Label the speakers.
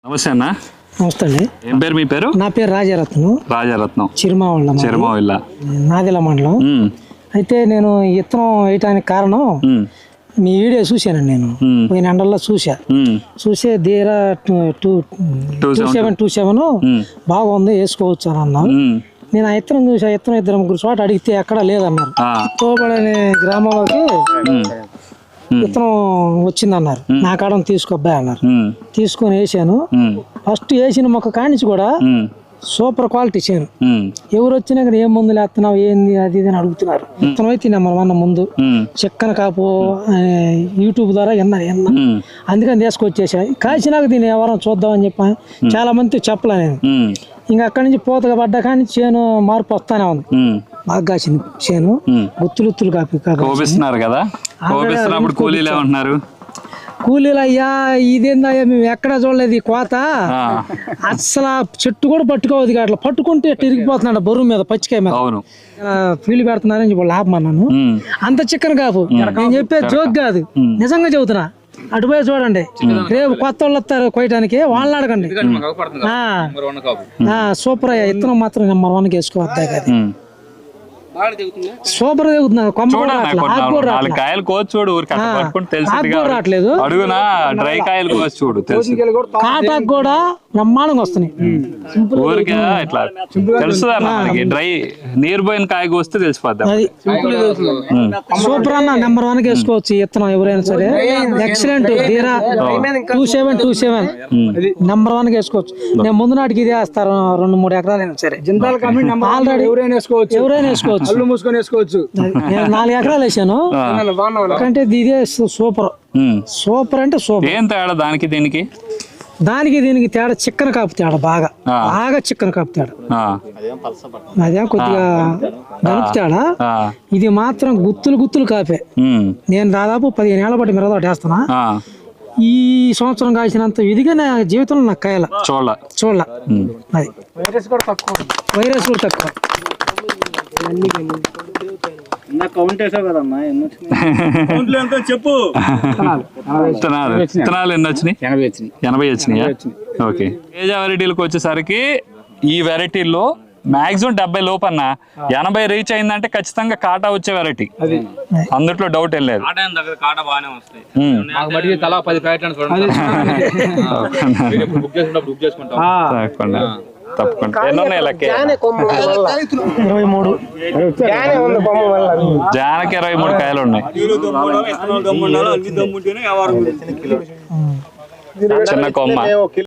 Speaker 1: నమస్తే అన్న.
Speaker 2: నమస్తే అండి.
Speaker 1: ఏం పేరు మీ పేరు?
Speaker 2: నా పేరు రాజరత్నం.
Speaker 1: రాజరత్నం.
Speaker 2: చిరుమావిళ్ళ నాదిల మండలం. అయితే నేను ఇత్తనం వేయటానికి కారణం మీ వీడియో చూశానండి. నేను పోయిన ఎండల్లో చూసే ధీరా 2727 బాగుంది, వేసుకోవచ్చు అని అన్నాను. నేను ఆ ఇత్తనం చూసి ఆ ఇత్తనం 2-3 చోట అడిగితే ఎక్కడా లేదన్నారు. తోబడనే గ్రామంలోకి విత్తనం వచ్చిందన్నారు. నా కాడని తీసుకోబ్బాయి అన్నారు. తీసుకొని వేసాను. ఫస్ట్ వేసిన మొక్క కానించి కూడా సూపర్ క్వాలిటీ చేను. ఎవరు వచ్చినా కానీ ఏం మందులు వేస్తున్నావు ఏంది అది ఇది అని అడుగుతున్నారు. విత్తనం అయితే నెంబర్ 1 ముందు చిక్కన కాపు యూట్యూబ్ ద్వారా విన్నా. అందుకని తీసుకొచ్చేసా. కాసినాక దీన్ని ఎవరైనా చూద్దామని చెప్పాను. చాలా మంది చెప్పలే నేను. ఇంకా అక్కడి నుంచి పూతగా పడ్డా కానీ చేను మార్పు వస్తానే ఉంది. బాగా కాసింది చేను. గుత్తులు
Speaker 1: కోపిస్తున్నారు కదా.
Speaker 2: కూలీలు అయ్యా ఇదేందయ్యా మేము ఎక్కడా చూడలేదు ఈ కోత. అసలు చెట్టు కూడా పట్టుకోవద్దు. అట్లా పట్టుకుంటే ఇరిగిపోతున్నాడు బరువు మీద, పచ్చికాయ మీద. ఫీల్డ్ పెడుతున్నారని చెప్పి లాభమన్నాను. అంత చిక్కన కాపు. నేను చెప్పేది జోక్ కాదు, నిజంగా చెబుతున్నా. అటుపోయి చూడండి, రేపు కొత్త వాళ్ళు వస్తారు కొయ్యడానికి, వాళ్ళని అడగండి. సూపర్ అయ్యా. ఇత్తనం మాత్రం నెంబర్ 1 వేసుకోవద్దా కదా. సూపర్ దిగుతున్నారు. రావట్లేదు. కాటాకు కూడా బ్రహ్మాండంగా వస్తున్నాయి.
Speaker 1: నీరు పోయిన కాయ కోస్తే తెలిసిపోద్ది.
Speaker 2: సూపర్ అన్న, నెంబర్ 1 వేసుకోవచ్చు ఇత్తనం ఎవరైనా సరే. ఎక్సలెంట్. ధీరా 2727 నెంబర్ 1 వేసుకోవచ్చు. నేను ముందు నాటికి ఇది వేస్తారు 2-3 ఎకరాలైనా సరే. ఆల్రెడీ ఎవరైనా వేసుకోవచ్చు. 4 ఎకరాలు వేసాను. అంటే ఇదే సూపర్ అంటే సూపర్.
Speaker 1: ఏం తేడా దానికి
Speaker 2: దీనికి తేడా చిక్కన కాపు తేడా. బాగా చిక్కన కాపు తేడా. అదే కొద్దిగా గనుపు తేడా. ఇది మాత్రం గుత్తులు కాపే. నేను దాదాపు 15 ఏళ్ల బట్టి మిరదోట వేస్తున్నా. ఈ సంవత్సరం కాసినంత ఇదిగా నా జీవితంలో నాకు కాయాల చూడాల. అది వైరస్ కూడా తక్కువ.
Speaker 1: చెప్పు. విత్తనాలు ఎన్ని వచ్చినాయి? 80 వచ్చినాయా? ఓకే. తేజ వెరైటీలకు వచ్చేసరికి ఈ వెరైటీల్లో మాక్సిమం 70 లోపన్నా. 80 రీచ్ అయిందంటే ఖచ్చితంగా కాటా వచ్చే వెరైటీ, అందుట్లో డౌట్ ఏం లేదు. తప్పకుండా. ఎన్ని ఉన్నాయి లెక్క? జానకి 23 కాయలు ఉన్నాయి. చిన్న కొమ్మ.